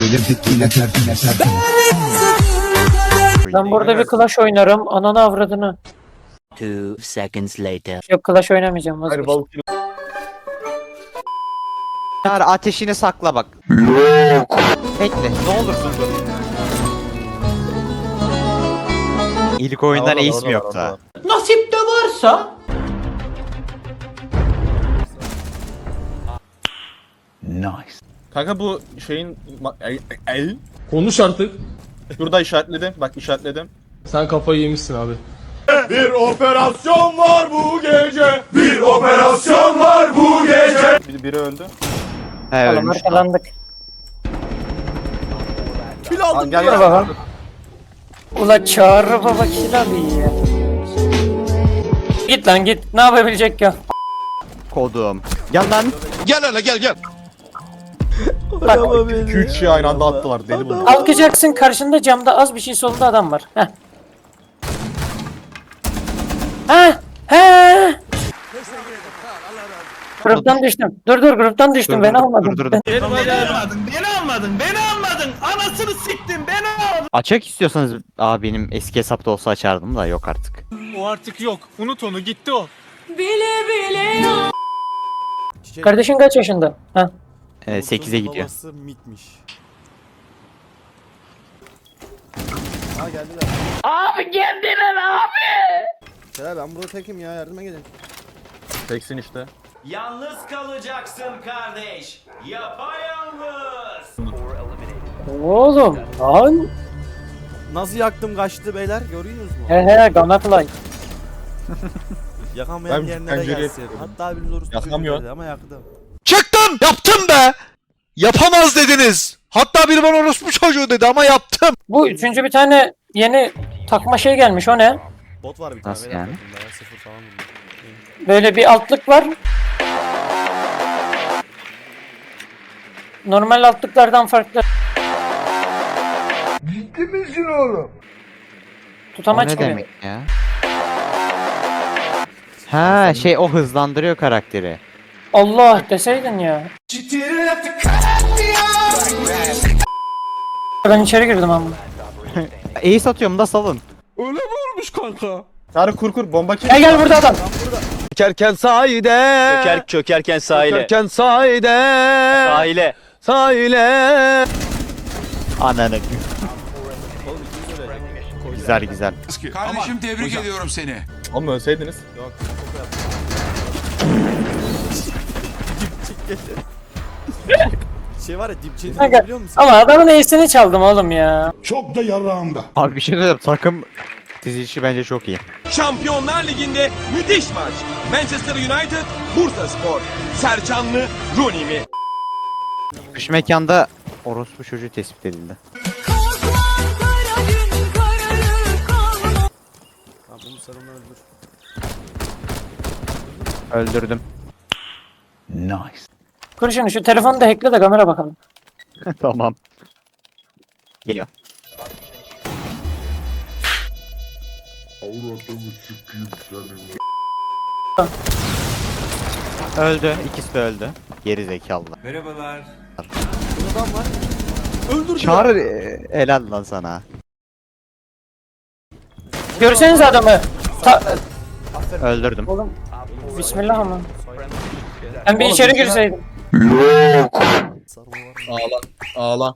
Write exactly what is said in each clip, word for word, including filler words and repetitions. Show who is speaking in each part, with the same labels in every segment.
Speaker 1: Ben burada bir Clash oynarım. Ananı avradını.
Speaker 2: Two seconds later.
Speaker 1: Yok, Clash oynamayacağım.
Speaker 3: Hayır
Speaker 1: Vazgeçtim.
Speaker 3: balık.
Speaker 4: Çağrı ateşini sakla bak. Yok. Bekle ne olursun dur. İlk oyundan
Speaker 3: Orada,
Speaker 4: ace
Speaker 3: orada,
Speaker 4: mi
Speaker 3: orada,
Speaker 4: yoksa?
Speaker 3: orada.
Speaker 1: Nasip de varsa.
Speaker 3: Kanka bu şeyin ma- el, el.
Speaker 5: Konuş artık.
Speaker 3: Şurada işaretledim. Bak işaretledim.
Speaker 5: Sen kafayı yemişsin abi.
Speaker 6: Bir operasyon var bu gece. Bir operasyon var bu gece.
Speaker 3: Bir, biri öldü.
Speaker 4: He
Speaker 1: Oğlum
Speaker 4: ölmüş.
Speaker 1: arkalandık.
Speaker 3: Aa, gel
Speaker 1: Dur
Speaker 3: gel.
Speaker 1: bakalım. Ula Çağrı baba kill abi ya. Git lan git. Ne yapabilecek ya?
Speaker 4: Kodum. Gel lan.
Speaker 6: Gel hele gel gel.
Speaker 1: Bak
Speaker 3: iki üç şey aynı anda attılar. Deli bunlar.
Speaker 1: kalkacaksın, karşında camda az bir şey solunda adam var. Heh. Heh. Heh. Gruptan düştüm. Dur dur gruptan düştüm.
Speaker 4: Dur,
Speaker 1: Beni
Speaker 4: dur,
Speaker 1: almadın.
Speaker 4: dur, dur, dur.
Speaker 7: Beni almadın, beni almadın, beni almadın. Anasını siktim, beni almadın.
Speaker 4: Açak istiyorsanız aa benim eski hesapta olsa açardım da yok artık.
Speaker 7: O artık yok. Unut onu, gitti o.
Speaker 1: Kardeşin kaç yaşında? Heh.
Speaker 4: Ee, sekize gidiyor.
Speaker 8: Babası mitmiş. Aa geldiler.
Speaker 1: Abi geldiler abi.
Speaker 8: Selam ben burada tekim ya yardıma gelin.
Speaker 3: Teksin işte.
Speaker 7: Yalnız kalacaksın kardeş. Yapayalnız.
Speaker 1: Oğlum lan.
Speaker 8: Nasıl yaktım kaçtı beyler görüyorsunuz mu?
Speaker 1: He he Gunnerfly.
Speaker 8: Yakamayan
Speaker 3: Ben
Speaker 8: yerine de
Speaker 3: pencereye
Speaker 8: gelsin.
Speaker 3: yapıyorum.
Speaker 8: Hatta biriniz orası
Speaker 3: Yakamıyor.
Speaker 8: çocuğu dedi ama yaktım.
Speaker 6: Çıktım yaptım be. Yapamaz dediniz. Hatta biri bana orospu çocuğu dedi ama yaptım.
Speaker 1: Bu üçüncü bir tane yeni takma şey gelmiş, o ne?
Speaker 8: Bot var bir tane.
Speaker 4: Nasıl
Speaker 8: beyler
Speaker 4: yani?
Speaker 8: takımda ya, sıfır falan bunlar.
Speaker 1: Böyle bir altlık var. Normal altlıklardan farklı.
Speaker 6: Ciddi misin oğlum?
Speaker 4: O
Speaker 1: Tutamaç
Speaker 4: ne
Speaker 1: gibi.
Speaker 4: demek ya? Ha şey o hızlandırıyor karakteri.
Speaker 1: Allah deseydin ya. Ben içeri girdim ama.
Speaker 4: Ace atıyorum da salın.
Speaker 6: Öyle mi olmuş kanka?
Speaker 3: Sarı kur kur bomba kim?
Speaker 1: Gel gel burada adam.
Speaker 6: Çökerken sahide.
Speaker 7: Çöker, çökerken sahile.
Speaker 6: Çökerken sahide.
Speaker 7: Sahile.
Speaker 6: Sahile.
Speaker 4: Ananı. Güzel güzel.
Speaker 9: Kardeşim tebrik ediyorum seni.
Speaker 3: Oğlum ölseydiniz.
Speaker 8: Yok çok yaptım. Şey var ya dipçeyi
Speaker 1: Kanka,
Speaker 8: biliyor musun?
Speaker 1: ama adamın iyisini çaldım oğlum ya.
Speaker 6: Çok da yarağımda.
Speaker 4: Abi bir şey söyleyeyim takım dizilişi bence çok iyi.
Speaker 6: Şampiyonlar Ligi'nde müthiş maç. Manchester United, Bursaspor. Sercanlı, Rooney mi?
Speaker 4: Kış mekanda orospu çocuğu tespit edildi.
Speaker 8: Tamam bunu sen onu öldür.
Speaker 4: Öldürdüm.
Speaker 1: Kur şunu, şu telefonu da hackle de kamera bakalım.
Speaker 4: Tamam. Geliyor. Öldü. İkisi de öldü. Geri zekalılar.
Speaker 9: Merhabalar.
Speaker 8: Burada adam var. Öldür.
Speaker 4: Çağır e, helal lan sana.
Speaker 1: Görseniz adamı. Ta
Speaker 4: Öldürdüm.
Speaker 1: oğlum. Bismillah ama. Ben bir içeri girseydim.
Speaker 8: Sarma var.
Speaker 3: Ağla. Ağla.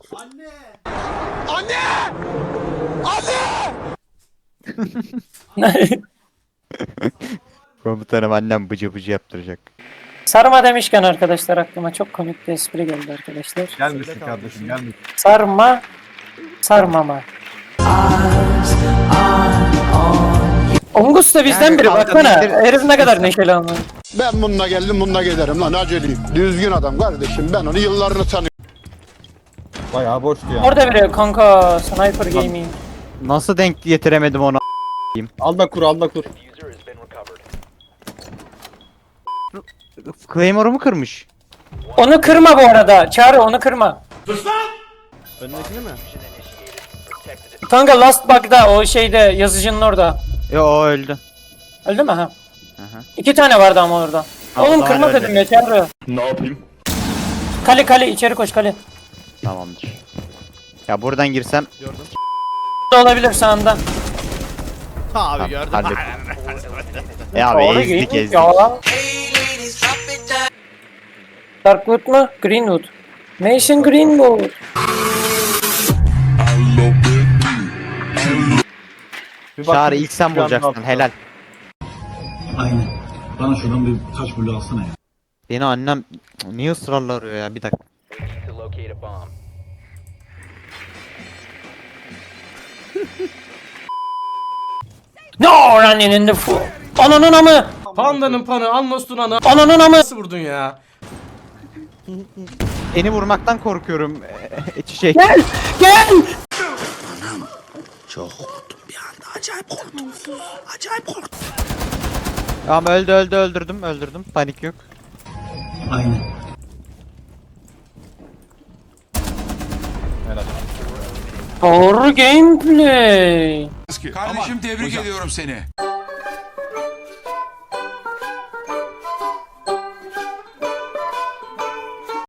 Speaker 4: Komutanım annem bıcı bıcı yaptıracak.
Speaker 1: Sarma demişken arkadaşlar aklıma çok komik bir espri geldi arkadaşlar.
Speaker 3: Gelmişsin kardeşim gelmişsin.
Speaker 1: Sarma, sarmama. Ongus da bizden
Speaker 4: Yani
Speaker 1: biri
Speaker 4: kavga
Speaker 1: baksana.
Speaker 4: değildir.
Speaker 1: Herif ne kadar neşeli ama.
Speaker 10: Ben bununla geldim bununla giderim lan aceleyim. Düzgün adam kardeşim ben onu yıllarını tanıyorum.
Speaker 3: Bayağı boştu ya.
Speaker 1: Orada biri kanka Sniper Gaming.
Speaker 4: Nasıl denk getiremedim onu?
Speaker 3: Al da kur al da kur.
Speaker 4: Claymore'umu kırmış.
Speaker 1: Onu kırma bu arada. Çağrı onu kırma.
Speaker 8: Önündekini mi?
Speaker 1: Kanka Last Bug'da o şeyde yazıcının orada.
Speaker 4: Yo o öldü.
Speaker 1: Öldü mü ha?
Speaker 4: Aha.
Speaker 1: İki tane vardı ama orada.
Speaker 4: Ha,
Speaker 1: Oğlum
Speaker 4: o
Speaker 1: kırma
Speaker 4: zaman
Speaker 1: dedim
Speaker 4: öyle.
Speaker 1: ya Çağrı.
Speaker 6: Ne yapayım?
Speaker 1: Kale kale içeri koş kale.
Speaker 4: Tamamdır. Ya buradan girsem
Speaker 8: Gördüm.
Speaker 1: Olabilir sağında.
Speaker 8: Abi gördüm.
Speaker 4: hallet. E abi
Speaker 1: Doğru,
Speaker 4: ezdik
Speaker 1: Greenwood
Speaker 4: ezdik.
Speaker 1: ya. Darkwood mu? Greenwood. Mason Greenwood.
Speaker 3: Bir
Speaker 4: Çağrı
Speaker 3: baktım,
Speaker 4: ilk sen
Speaker 3: bir anda
Speaker 4: bulacaksın
Speaker 3: atladı.
Speaker 4: helal.
Speaker 7: Aynen. Bana şuradan bir taş bulu alsana ya.
Speaker 4: Beni annem niye ısrarla arıyor ya bir dakika.
Speaker 1: No running in the fool. Ananın amı.
Speaker 5: Pandanın panı, Anlos'un anı.
Speaker 1: Ananın amı.
Speaker 5: Nasıl vurdun ya?
Speaker 4: Seni vurmaktan korkuyorum. e, Çiçek.
Speaker 1: Gel. Gel.
Speaker 4: Tamam öldü öldü öldürdüm öldürdüm. Panik yok.
Speaker 7: Aynen.
Speaker 3: Helal.
Speaker 1: Doğru gameplay.
Speaker 9: Kardeşim tebrik ediyorum seni.